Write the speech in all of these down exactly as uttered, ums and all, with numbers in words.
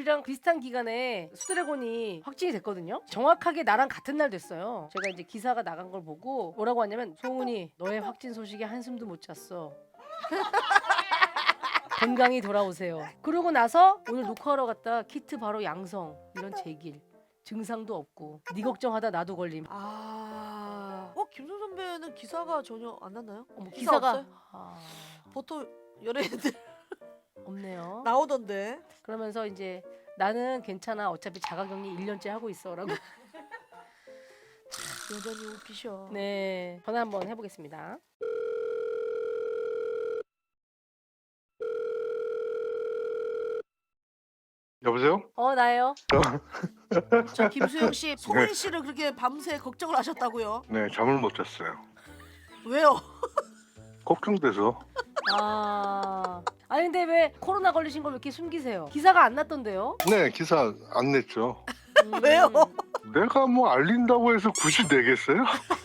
우리랑 비슷한 기간에 수드래곤이 확진이 됐거든요. 정확하게 나랑 같은 날 됐어요. 제가 이제 기사가 나간 걸 보고 뭐라고 하냐면 소은이 너의 확진 소식에 한숨도 못 잤어. 건강히 돌아오세요. 그러고 나서 오늘 녹화하러 갔다 키트 바로 양성. 이런 제길. 증상도 없고 네 걱정하다 나도 걸림. 아, 어 김선 선배는 기사가 전혀 안 났나요? 어머, 기사 기사가 없어요? 아, 보통 연예인들 없네요. 나오던데. 그러면서 이제 나는 괜찮아 어차피 자가격리 일 년째 하고 있어라고. 여전히 웃기셔. 네, 전화 한번 해보겠습니다. 여보세요? 어 나예요. 저 김수영 씨, 소은 씨를 그렇게 밤새 걱정을 하셨다고요? 네, 잠을 못 잤어요. 왜요? 걱정돼서. 아 아니 근데 왜 코로나 걸리신 걸 왜 이렇게 숨기세요? 기사가 안 났던데요? 네, 기사 안 냈죠. 음. 왜요? 내가 뭐 알린다고 해서 굳이 내겠어요?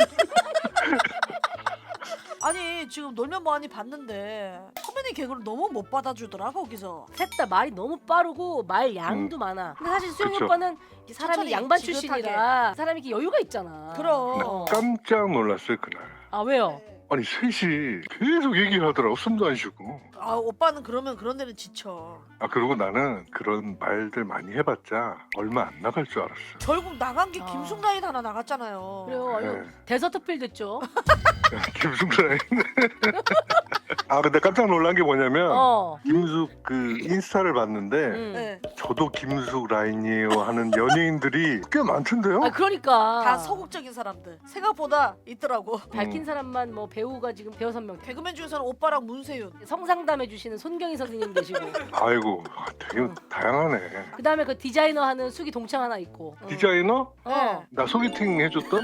아니 지금 놀면 뭐하니 봤는데 선배님 개그를 너무 못 받아주더라 거기서. 셋 다 말이 너무 빠르고 말 양도 많아. 근데 사실 수영이 그쵸. 오빠는 이 사람이 천천히, 양반 지긋하게. 출신이라 사람이 이렇게 여유가 있잖아. 그럼. 어. 깜짝 놀랐어요, 그날. 아 왜요? 아니, 셋이 계속 얘기하더라고, 숨도 안 쉬고. 아 오빠는 그러면 그런 데는 지쳐. 아, 그리고 나는 그런 말들 많이 해봤자 얼마 안 나갈 줄 알았어. 결국 나간 게 아. 김숙라인 하나 나갔잖아요. 그래요. 아유, 네. 데서트필 됐죠. 김숙라인. 아, 근데 깜짝 놀란 게 뭐냐면, 어. 김숙 그 인스타를 봤는데, 음. 네. 저도 김숙 라인이에요 하는 연예인들이 꽤 많던데요? 아 그러니까 다 소극적인 사람들 생각보다 있더라고. 밝힌 음. 사람만 뭐 배우가 지금 대여섯 명. 개그맨 중에서는 오빠랑 문세윤. 성상담 해주시는 손경희 선생님 계시고. 아이고, 되게 다양하네. 그 다음에 그 디자이너 하는 수기 동창 하나 있고. 어. 디자이너? 어. 나 소개팅 해줬던?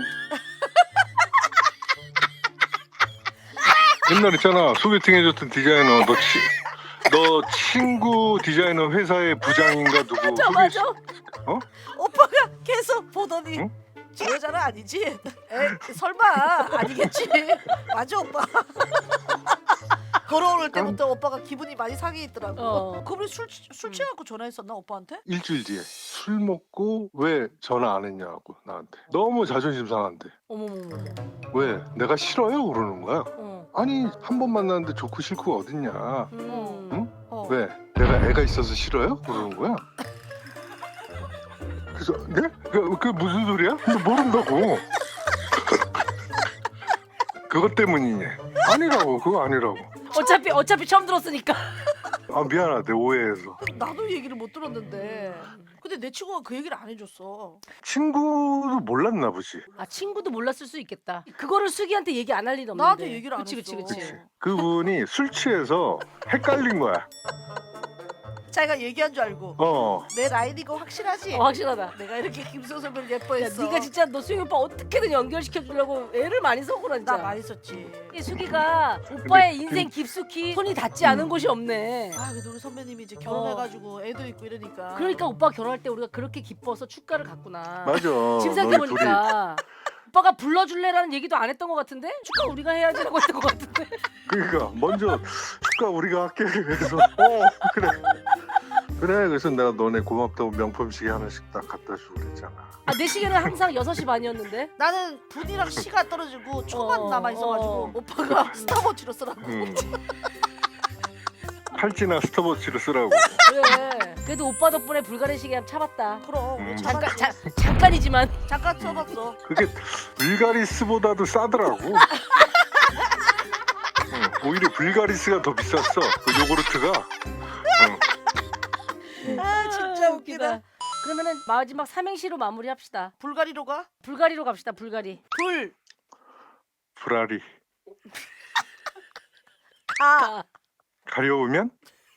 옛날 있잖아, 소개팅 해줬던 디자이너. 너, 치, 너 친구 디자이너 회사의 부장인가 누구? 맞아 소개- 맞아. 오빠가 계속 보더니 응? 저 여자는 아니지? 에 설마 아니겠지? 맞아 오빠. 걸어올 때부터 오빠가 기분이 많이 상해 있더라고. 어. 그분이 술, 술 취해갖고 전화했었나 오빠한테? 일주일 뒤에 술 먹고 왜 전화 안 했냐고 나한테. 너무 자존심 상한데. 어머머머. 왜? 내가 싫어요? 그러는 거야. 어. 아니, 한 번 만났는데 좋고 싫고가 어딨냐. 음. 응? 어. 왜? 내가 애가 있어서 싫어요? 그러는 거야. 그래서 네? 그, 그 무슨 소리야? 너 모른다고. 그것 때문이니? 아니라고. 그거 아니라고. 어차피 어차피 처음 들었으니까. 아, 미안하대, 오해해서. 나도 얘기를 못 들었는데. 근데 내 친구가 그 얘기를 안 해줬어. 친구도 몰랐나 보지. 아 친구도 몰랐을 수 있겠다. 그거를 수기한테 얘기 안 할 리는 없는데. 나한테 얘기를 안 그치, 했어. 그치 그치 그치. 그분이 술 취해서 헷갈린 거야. 자기가 얘기한 줄 알고. 어. 내 라인이고 확실하지? 어, 확실하다. 내가 이렇게 김수영 선배를 야, 예뻐했어. 네가 진짜 너 수기 오빠 어떻게든 연결시켜 주려고 애를 많이 썼구나 진짜. 나 많이 썼지. 이 수기가 오빠의 근데 인생 깊숙이 손이 닿지 않은 곳이 없네. 아 그래도 우리 선배님이 이제 결혼해가지고 애도 있고 이러니까. 그러니까 오빠 결혼할 때 우리가 그렇게 기뻐서 축가를 갔구나. 맞아. 지금 너희 생각해보니까 오빠가 불러줄래라는 얘기도 안 했던 것 같은데 축가 우리가 해야지라고 했던 것 같은데. 둘이, 그러니까 먼저 축가 우리가 할게. 그래서 어 그래. 그래. 그래서 내가 너네 고맙다고 명품 시계 하나씩 딱 갖다 주고 그랬잖아. 아, 내 시계는 항상 여섯 시 반이었는데. 나는 분이랑 시가 떨어지고 초만 어, 남아 있어가지고 어. 오빠가 스타워치로 쓰라고. 음. 팔찌나 스톱워치를 쓰라고. 그래. 그래도 오빠 덕분에 불가리 시계 한번 차봤다. 그럼 음. 잠깐 잠깐 자, 잠깐이지만. 잠깐 써봤어. 그게 불가리스보다도 싸더라고. 응, 오히려 불가리스가 더 비쌌어. 그 요구르트가. 응. 아 진짜 웃기다. 그러면은 마지막 삼행시로 마무리합시다. 불가리로 가? 불가리로 갑시다. 불가리. 불. 불알이 가. 가려우면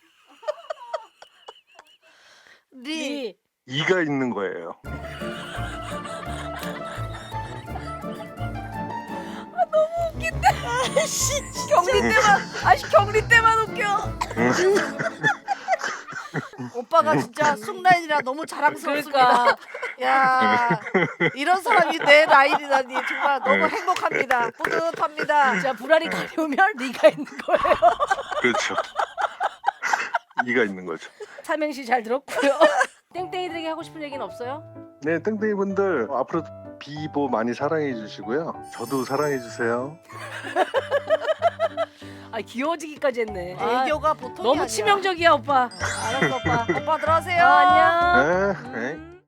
리. 리. 이가 있는 거예요. 아씨 경리 때만. 아씨 경리 때만 웃겨. 오빠가 진짜 숙라인이라 너무 자랑스럽습니다. 그러니까 야 이런 사람이 내 라인이라니 정말 너무 행복합니다. 뿌듯합니다. 자 불알이 가려우면 리가 있는 거예요. 그렇죠. 이가 있는 거죠. 삼행시 잘 들었고요. 땡땡이들에게 하고 싶은 얘기는 없어요? 네, 땡땡이 분들 앞으로 비보 많이 사랑해 주시고요. 저도 사랑해 주세요. 아 귀여워지기까지 했네. 아, 애교가 보통이 너무 아니야. 치명적이야 오빠. 알았어 오빠. 오빠 들어가세요. 아, 안녕. 네, 네.